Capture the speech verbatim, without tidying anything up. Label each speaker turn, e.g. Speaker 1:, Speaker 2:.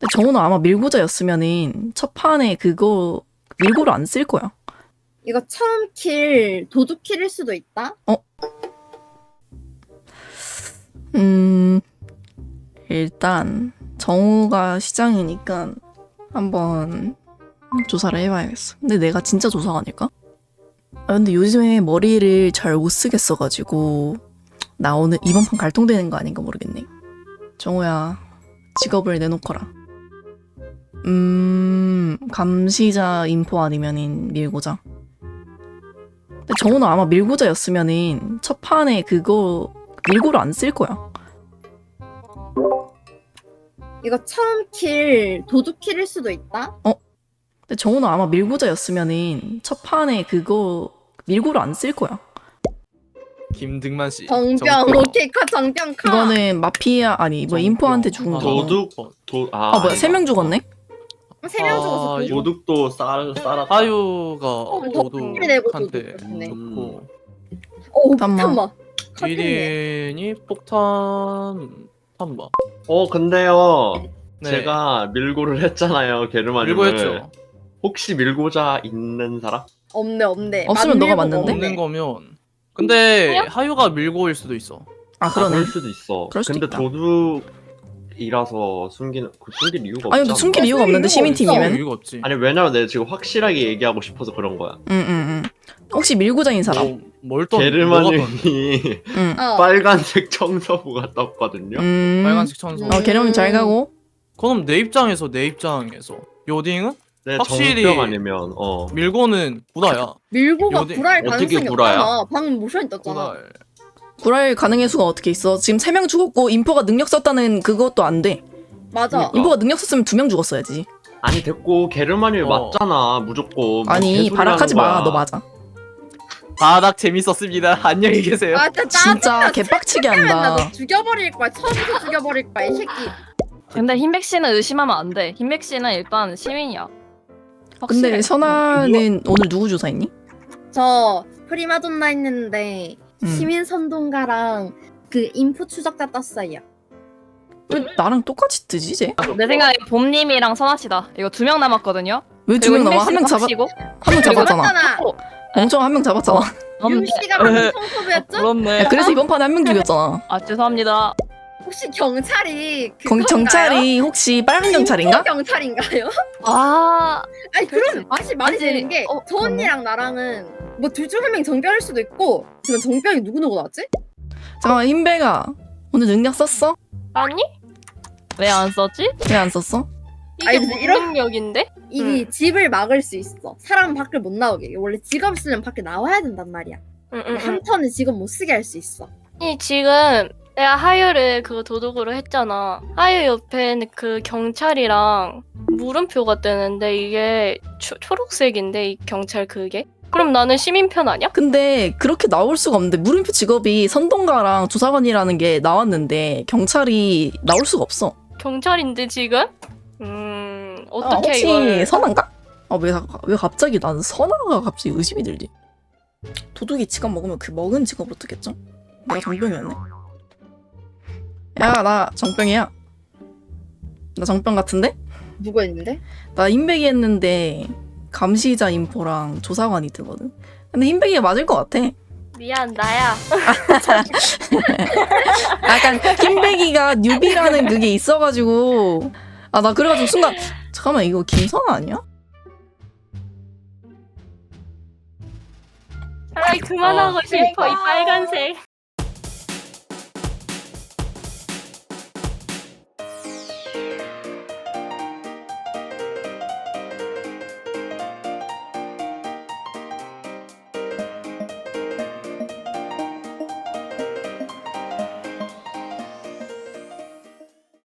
Speaker 1: 근데 정우는 아마 밀고자였으면은 첫 판에 그거 밀고를 안 쓸 거야.
Speaker 2: 이거 처음 킬 도둑 킬일 수도 있다.
Speaker 1: 어? 음 일단 정우가 시장이니까 한번 조사를 해봐야겠어. 근데 내가 진짜 조사가 아닐까? 아 근데 요즘에 머리를 잘 못 쓰겠어가지고 나 오늘 이번 판 갈통되는 거 아닌가 모르겠네. 정우야 직업을 내놓거라. 음 감시자 인포 아니면은 밀고자. 근데 정우는 아마 밀고자였으면은 첫 판에 그거 밀고를 안 쓸 거야.
Speaker 2: 이거 처음 킬 도둑 킬일 수도 있다.
Speaker 1: 근데 정우는 아마 밀고자였으면은 첫 판에 그거 밀고를 안 쓸 거야.
Speaker 3: 김등만 씨.
Speaker 2: 정병 오케이 카 정병 카.
Speaker 1: 이거는 마피아 아니 뭐
Speaker 3: 정병.
Speaker 1: 인포한테 죽은
Speaker 3: 아,
Speaker 1: 거.
Speaker 4: 도둑 도 아,
Speaker 1: 아 뭐야 세 명 죽었네?
Speaker 2: 세 명 죽어서
Speaker 3: 아,
Speaker 2: 도둑.
Speaker 4: 도둑도 쌀 쌀았다.
Speaker 3: 하유가
Speaker 2: 도둑 내고
Speaker 3: 도둑한테
Speaker 2: 도둑.
Speaker 3: 좋고
Speaker 2: 오
Speaker 1: 잠깐만.
Speaker 2: 잠깐만.
Speaker 3: 일 인이 폭탄 탐마.
Speaker 4: 어 근데요.
Speaker 3: 네.
Speaker 4: 제가 밀고를 했잖아요. 게르마님을.
Speaker 3: 밀고 했죠.
Speaker 4: 혹시 밀고자 있는 사람?
Speaker 2: 없네 없네.
Speaker 1: 없으면 너가
Speaker 2: 만들고
Speaker 1: 맞는데?
Speaker 3: 없는 거면. 근데 하유가 밀고일 수도 있어.
Speaker 1: 아 그러네.
Speaker 4: 그럴 수도 있어.
Speaker 1: 그럴 수도
Speaker 4: 근데
Speaker 1: 있다.
Speaker 4: 도둑이라서 숨기는 그 숨길 이유가
Speaker 1: 아니
Speaker 4: 없잖아.
Speaker 1: 근데 숨길 이유가 없는데
Speaker 2: 없어.
Speaker 1: 시민팀이면?
Speaker 3: 이유가 없지.
Speaker 4: 아니 왜냐면 내가 지금 확실하게 얘기하고 싶어서 그런 거야.
Speaker 1: 응응응. 혹시 밀고자인 사람?
Speaker 3: 뭐, 뭘 또?
Speaker 4: 게르마님이
Speaker 1: 응.
Speaker 2: 어.
Speaker 4: 빨간색 청소부가 떴거든요.
Speaker 1: 음.
Speaker 3: 빨간색 천소.
Speaker 2: 음.
Speaker 1: 어 계령님 잘 가고.
Speaker 3: 그럼 내 입장에서 내 입장에서 요딩은
Speaker 4: 네,
Speaker 3: 확실히-
Speaker 4: 정병 아니면 어.
Speaker 3: 밀고는 구다야.
Speaker 2: 밀고가
Speaker 3: 어디-
Speaker 2: 불알
Speaker 4: 어떻게
Speaker 2: 가능성이
Speaker 4: 구라야?
Speaker 2: 없잖아. 방금 모션이 떴잖아.
Speaker 3: 구다.
Speaker 1: 구랄 가능의 수가 어떻게 있어? 지금 세 명 죽었고 인포가 능력 썼다는 그것도 안 돼.
Speaker 2: 맞아.
Speaker 4: 그러니까.
Speaker 1: 인포가 능력 썼으면 두 명 죽었어야지.
Speaker 4: 아니 됐고 게르마님
Speaker 3: 어.
Speaker 4: 맞잖아 무조건. 뭐
Speaker 1: 아니
Speaker 4: 개소리
Speaker 1: 발악하지
Speaker 4: 하는
Speaker 1: 마.
Speaker 4: 거야.
Speaker 1: 너 맞아.
Speaker 3: 바닥 재밌었습니다. 안녕히 계세요.
Speaker 2: 아 진짜
Speaker 1: 진짜
Speaker 2: 짜증나.
Speaker 1: 개빡치게
Speaker 2: 맨날
Speaker 1: 한다.
Speaker 2: 너 죽여버릴 거야. 처음부터 죽여버릴 거야 이 새끼.
Speaker 5: 근데 흰백 씨는 의심하면 안 돼. 흰백 씨는 일단 시민이야.
Speaker 1: 근데
Speaker 5: 확실해.
Speaker 1: 선아는 오늘 누구 조사했니?
Speaker 2: 저 프리마돈나 했는데
Speaker 1: 음.
Speaker 2: 시민 선동가랑 그 인포 추적자 떴어요.
Speaker 1: 왜 나랑 똑같이 뜨지 쟤?
Speaker 5: 내 생각에 봄님이랑 선아 씨다. 이거 두 명 남았거든요.
Speaker 1: 왜 두 명 남아? 한 명 잡아
Speaker 5: 고
Speaker 1: 한 명 잡았잖아.
Speaker 2: 맞잖아.
Speaker 1: 멍청 한 명 잡았잖아.
Speaker 2: 윤 씨가 방금 청소부였죠?
Speaker 5: 그렇네.
Speaker 1: 야, 그래서 이번 판에 한 명 죽였잖아.
Speaker 5: 아 죄송합니다.
Speaker 2: 혹시 경찰이
Speaker 1: 경,
Speaker 2: 그건가요?
Speaker 1: 경찰이 혹시 빨간 경찰인가?
Speaker 2: 인포 경찰인가요?
Speaker 5: 아
Speaker 2: 아니
Speaker 5: 그렇지.
Speaker 2: 그럼 맛이 말이
Speaker 5: 아니지.
Speaker 2: 되는 게 저
Speaker 5: 어,
Speaker 2: 언니랑 나랑은 뭐 둘 중 한 명이 정병일 수도 있고 지금 정병이 누구 누구 나왔지?
Speaker 1: 잠깐만 흰배가 오늘 능력 썼어?
Speaker 5: 아니? 왜 안 썼지?
Speaker 1: 왜 안 썼어?
Speaker 5: 이게
Speaker 2: 아니,
Speaker 5: 무슨
Speaker 2: 이런-
Speaker 5: 능력인데?
Speaker 2: 이 집을 막을 수 있어. 사람 밖을 못 나오게. 원래 직업 쓰면 밖에 나와야 된단 말이야.
Speaker 5: 응응응.
Speaker 2: 한 턴은 직업 못 쓰게 할 수 있어.
Speaker 6: 아니 지금 내가 하유를 그 도둑으로 했잖아. 하유 옆에는 그 경찰이랑 물음표가 뜨는데 이게 초, 초록색인데 이 경찰 그게? 그럼 나는 시민 편 아니야?
Speaker 1: 근데 그렇게 나올 수가 없는데 물음표 직업이 선동가랑 조사관이라는 게 나왔는데 경찰이 나올 수가 없어.
Speaker 6: 경찰인데 지금? 음
Speaker 1: 아,
Speaker 6: 어떻게
Speaker 1: 혹시
Speaker 6: 이걸?
Speaker 1: 선한가? 아, 왜, 왜 갑자기 나는 선아가 갑자기 의심이 들지? 도둑이 직업 먹으면 그 먹은 직업으로 뜨겠죠? 내가 정병이었네. 야, 나 정병이야. 나 정병 같은데?
Speaker 2: 누가 있는데?
Speaker 1: 나 흰백이 했는데 감시자 인포랑 조사관이 뜨거든. 근데 흰백이가 맞을 것 같아.
Speaker 6: 미안 나야.
Speaker 1: 약간 흰백이가 뉴비라는 그게 있어가지고 아 나 그래가지고 순간 잠깐만 이거 김선아 아니야?
Speaker 6: 차라리 그만하고
Speaker 3: 어.
Speaker 6: 싶어 이 빨간색.